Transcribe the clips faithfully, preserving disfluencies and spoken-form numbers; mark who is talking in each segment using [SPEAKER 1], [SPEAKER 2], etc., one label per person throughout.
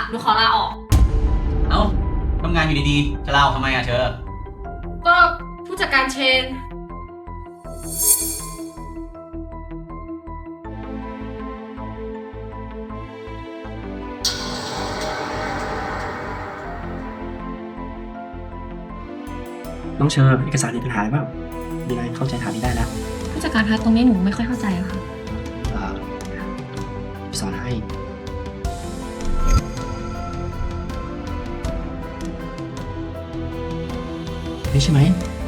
[SPEAKER 1] หนูขอลาออก
[SPEAKER 2] เอ้าทำงานอยู่ดีๆ จะลาออกทำไมอะเชอ
[SPEAKER 1] ก็ผู้จัดการเชน
[SPEAKER 3] น้องเชอร์เอกสารมีปัญหาหรือเปล่ามีอะไรเข้าใจถามนี้ได้แล้ว
[SPEAKER 1] ผู้จัดการคะตรงนี้หนูไม่ค่อยเข้าใจค่ะ
[SPEAKER 3] เอ่อสอนให้นี่ใช่ไหม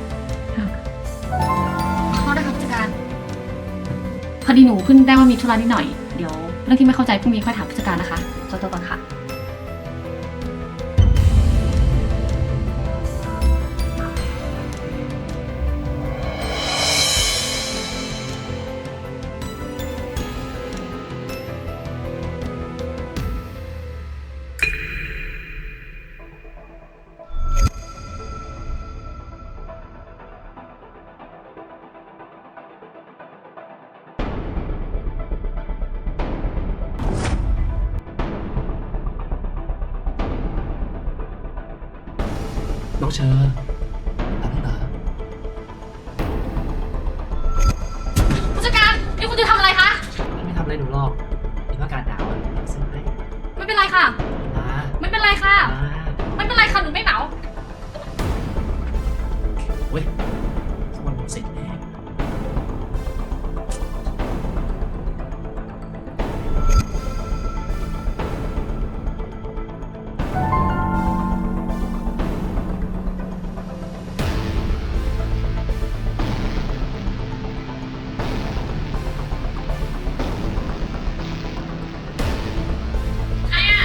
[SPEAKER 1] ขอโทษนะคะผู้จัดการ พอดีหนูเพิ่งได้ว่ามีธุระนิดหน่อย เดี๋ยวเรื่องที่ไม่เข้าใจพรุ่งนี้ค่อยถามผู้จัดการนะคะขอตัวก่อนค่ะ
[SPEAKER 3] น้องเชอร์หลับแล้วเหรอ
[SPEAKER 1] ผู้จัดการนี่คุณจะทำอะไรคะ
[SPEAKER 3] ไม่ทำอะไรหนูหรอกเห็นว่าอากาศหนาวอ่ะซื้อให้
[SPEAKER 1] ไม่เป็นไรค่ะ
[SPEAKER 3] นะ
[SPEAKER 1] ไม่เป็นไรค่ะ
[SPEAKER 3] นะ
[SPEAKER 1] ไม่เป็นไรค่ะหนูไม่หนาว
[SPEAKER 3] เว้ยสักวันผมเสร็จแน่
[SPEAKER 1] ใครอะ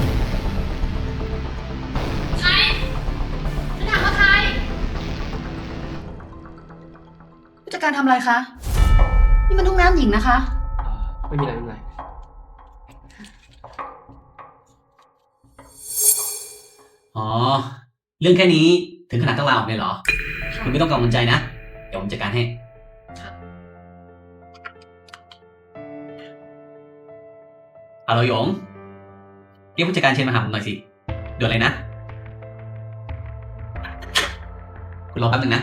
[SPEAKER 1] ใครฉันถามว่าใคร ผู้จัดการทำอะไรคะ นี่มันห้องน้ำหญิงนะคะ
[SPEAKER 3] เอ่อไม่มีอะไรไม่มีอะไร
[SPEAKER 2] อ๋อ เรื่องแค่นี้ถึงขนาดต้องลาออกเลยเหรอ คุณไม่ต้องกังวลใจนะ เดี๋ยวผมจัดการให้ เอาเราหยงเรียกผู้จัดการเชนมาหาผมหน่อยสิด่วนเลยนะ คุณรอแป๊บนึงนะ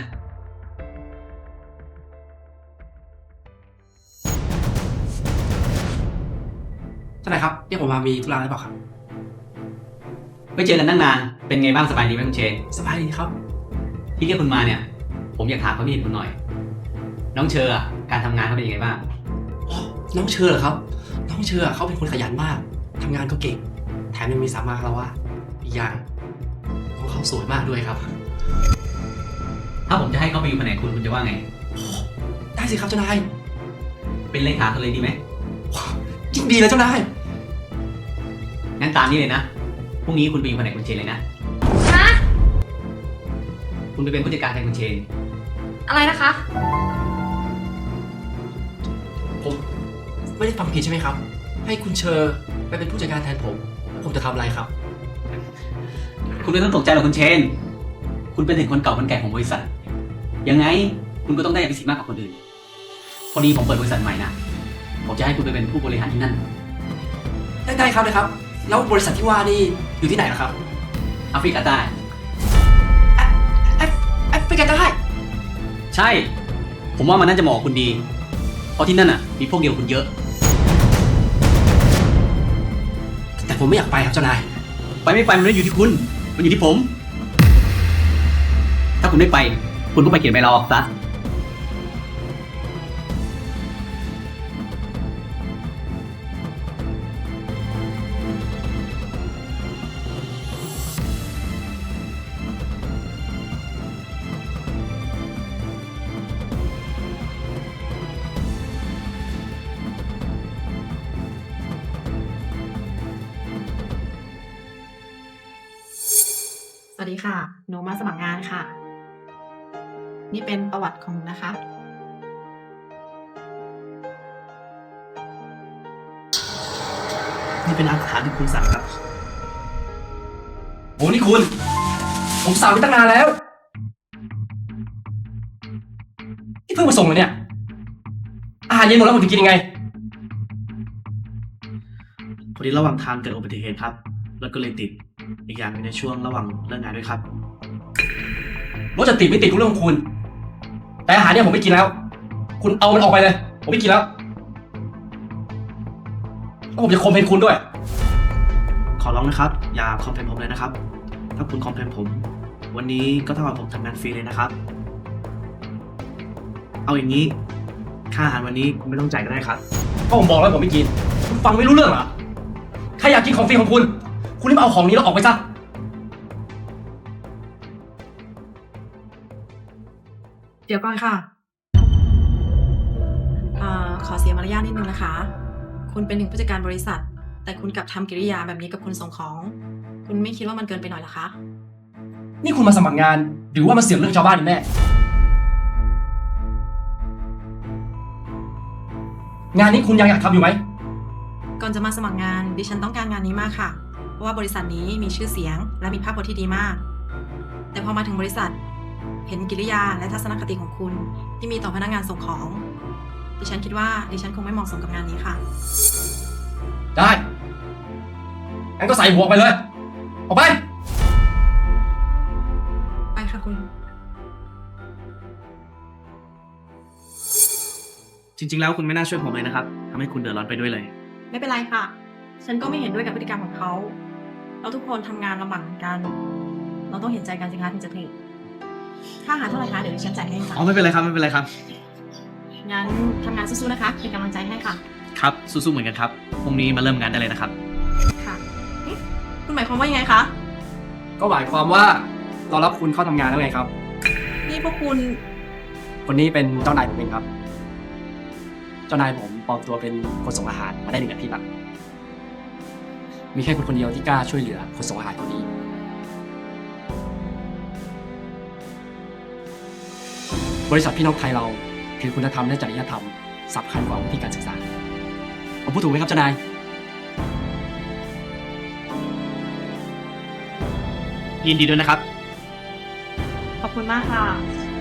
[SPEAKER 3] เจ้านายครับเรียกผมมามีธุระอะไรเปล่าครับ
[SPEAKER 2] ไม่เจอกันตั้งนาน เป็นไงบ้างสบายดีไหมคุณเชน
[SPEAKER 3] สบายดีครับ
[SPEAKER 2] ที่เรียกคุณมาเนี่ย ผมอยากถามความคิดเห็นคุณหน่อย น้องเชออะการทำงานเขาเป็นยังไงบ้าง
[SPEAKER 3] อ๋อน้องเชอร์เหรอครับ น้องเชอร์เขาเป็นคนขยันมาก ทำงานก็เก่ง แถมยังมีสามารถแล้วว่าอีกอย่างน้องเขาสวยมากด้วยครับ
[SPEAKER 2] ถ้าผมจะให้เขาไปอยู่แผนกคุณคุณจะว่าไง
[SPEAKER 3] ได้สิครับเจ้านาย
[SPEAKER 2] เป็นเลขาเขาเลยดีไหม
[SPEAKER 3] ยิ่งดีเลยเจ้านาย
[SPEAKER 2] งั้นตามนี้เลยนะ พรุ่งนี้คุณไปอยู่แผนกคุณเชนเลยนะ
[SPEAKER 1] ฮะ
[SPEAKER 2] คุณไปเป็นผู้จัดการแทนคุณเชน
[SPEAKER 1] อะไรนะคะ
[SPEAKER 3] ผมไม่ได้ฟังผิดใช่ไหมครับ ให้คุณเชอร์ไปเป็นผู้จัดการแทนผม ผมจะทำอะไรครับ
[SPEAKER 2] คุณไม่ต้องตกใจหรอกคุณเชน คุณเป็นถึงคนเก่าคนแก่ของบริษัท ยังไงคุณก็ต้องได้อภิสิทธิ์มากกว่าคนอื่น พอดีผมเปิดบริษัทใหม่นะ ผมจะให้คุณไปเป็นผู้บริหารที่นั่น
[SPEAKER 3] ได้ได้ครับได้ครับ แล้วบริษัทที่ว่านี่อยู่ที่ไหนล่ะครับ
[SPEAKER 2] แอฟริกาใต้
[SPEAKER 3] แอฟแอฟแอฟริกาใต้
[SPEAKER 2] ใช่ ผมว่ามันน่าจะเหมาะกับคุณดี เพราะที่นั่นอ่ะ มีพวกเดียวคุณเยอะ
[SPEAKER 3] แต่ผมไม่อยากไปครับเจ้านาย
[SPEAKER 2] ไปไม่ไปมันไม่ได้อยู่ที่คุณ มันอยู่ที่ผม ถ้าคุณไม่ไป คุณก็ไปเขียนใบลาออกซะ
[SPEAKER 4] สวัสดีค่ะ หนูมาสมัครงานค่ะ นี่เป็นประวัติของหนูนะคะ
[SPEAKER 3] นี่เป็นอาหารที่คุณสั่งครับ
[SPEAKER 2] โอ้นี่คุณ
[SPEAKER 3] ผมสั่งไปตั้งนานแล้ว ที่เพิ่งมาส่งเลยเนี่ย อาหารเย็นหมดแล้วผมจะกินยังไง พอดีระหว่างทางเกิดอุบัติเหตุครับแล้วก็เลยติด อีกอย่างในช่วงระหว่างเลิกงานด้วยครับ
[SPEAKER 5] รถจะติดไม่ติดทุกเรื่องของคุณ แต่อาหารเนี่ยผมไม่กินแล้ว คุณเอามันออกไปเลย ผมไม่กินแล้วแล้วผมจะคอมเพลนคุณด้วย
[SPEAKER 3] ขอร้องนะครับ อย่าคอมเพลนผมเลยนะครับ ถ้าคุณคอมเพลนผม วันนี้ก็เท่ากับผมทำงานฟรีเลยนะครับ เอาอย่างนี้ ค่าอาหารวันนี้คุณไม่ต้องจ่ายก็ได้ครับ
[SPEAKER 5] ก็ผมบอกแล้วผมไม่กิน คุณฟังไม่รู้เรื่องเหรอ ใครอยากกินของฟรีของคุณ คุณรีบเอาของนี้แล้วออกไปซะ
[SPEAKER 4] เดี๋ยวก่อนค่ะเอ่อขอเสียมารยาทนิดนึงนะคะ คุณเป็นถึงผู้จัดการบริษัท แต่คุณกลับทำกิริยาแบบนี้กับคนส่งของ คุณไม่คิดว่ามันเกินไปหน่อยเหรอคะ
[SPEAKER 5] นี่คุณมาสมัครงาน หรือว่ามาเสี่ยงเรื่องชาวบ้านกันแน่ งานนี้คุณยังอยากทำอยู่ไหม
[SPEAKER 4] ก่อนจะมาสมัครงาน ดิฉันต้องการงานนี้มากค่ะ เพราะว่าบริษัทนี้มีชื่อเสียง และมีภาพพจน์ที่ดีมาก แต่พอมาถึงบริษัท เห็นกิริยาและทัศนคติของคุณที่มีต่อพนักงานส่งของ ดิฉันคิดว่าดิฉันคงไม่เหมาะสมกับงานนี้ค่ะ
[SPEAKER 5] ได้งั้นก็ใส่หัวออกไปเลย ออกไป
[SPEAKER 4] ไปค่ะคุณ
[SPEAKER 3] จริงๆ แล้วคุณไม่น่าช่วยผมเลยนะครับทำให้คุณเดือดร้อนไปด้วยเลย
[SPEAKER 4] ไม่เป็นไรค่ะ ฉันก็ไม่เห็นด้วยกับพฤติกรรมของเขา เราทุกคนทำงานลำบากเหมือนกัน เราต้องเห็นใจกันสิคะถึงจะถึงค่าอาหารเท่าไหร่คะเดี๋ยวดิฉันจ่ายให้ค่ะ
[SPEAKER 3] อ๋อไม่เป็นไรครับไม่เป็นไรครับ
[SPEAKER 4] งั้นทำงานสู้ๆนะคะ เป็นกำลังใจให้ค่ะ
[SPEAKER 3] ครับ สู้ๆ เหมือนกันครับ พรุ่งนี้มาเริ่มงานได้เลยนะครับ
[SPEAKER 4] ค่ะเอ๊ะคุณหมายความว่ายังไงคะ
[SPEAKER 5] ก็หมายความว่าเรารับคุณเข้าทำงานแล้วไงครับ
[SPEAKER 4] นี่พวกคุณ
[SPEAKER 5] คนนี้เป็นเจ้านายผมเองครับ เจ้านายผมปลอมตัวเป็นคนส่งอาหารมาได้หนึ่งอาทิตย์ละมีแค่คนคนเดียวที่กล้าช่วยเหลือคนส่งอาหารคนนี้ บริษัทพี่น้องไทยเราคือคุณธรรมและจริยธรรมสำคัญกว่าวิธีการศึกษา ผมพูดถูกไหมครับเจ้านาย
[SPEAKER 3] ยินดีด้วยนะครับ
[SPEAKER 4] ขอบคุณมากค่ะ